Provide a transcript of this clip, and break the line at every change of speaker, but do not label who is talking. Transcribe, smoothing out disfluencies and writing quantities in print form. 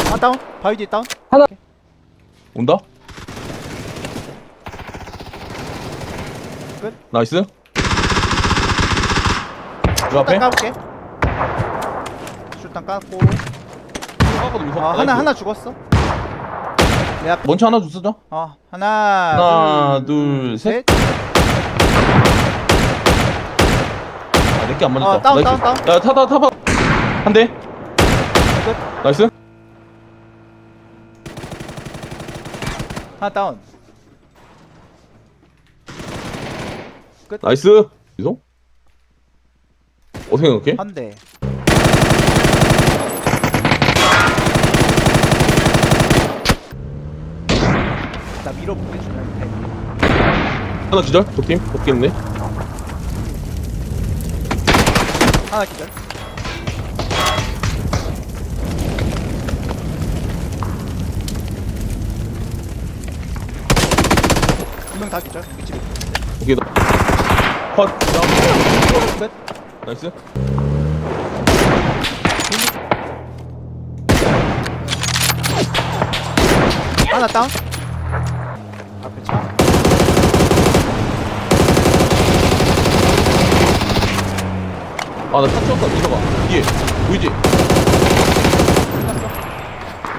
아 다운. 바위 뒤에 다운.
하나.
온다.
끝.
나이스. 그 앞에.
술탄 까볼게. 술탄 깠고. 하나 죽었어. 내 앞에.
먼저 하나 줬어.
하나
하나, 둘, 셋. 아, 내게 안 맞았다.
다운
나이스.
다운.
야, 타봐. 한 대.
끝.
나이스.
하나 다운.
나이스. 이동? 어떻게 생각해?
한 대. 나 밀어볼게 주면 돼.
하나 기절. 적팀. 없겠네.
하나 기절. 두 명 다 기절. 위치.
오케이. 컷.
끝.
나이스.
하나 다운. 앞에 차.
아, 나 차 치웠다. 민서가. 뒤에. 보이지?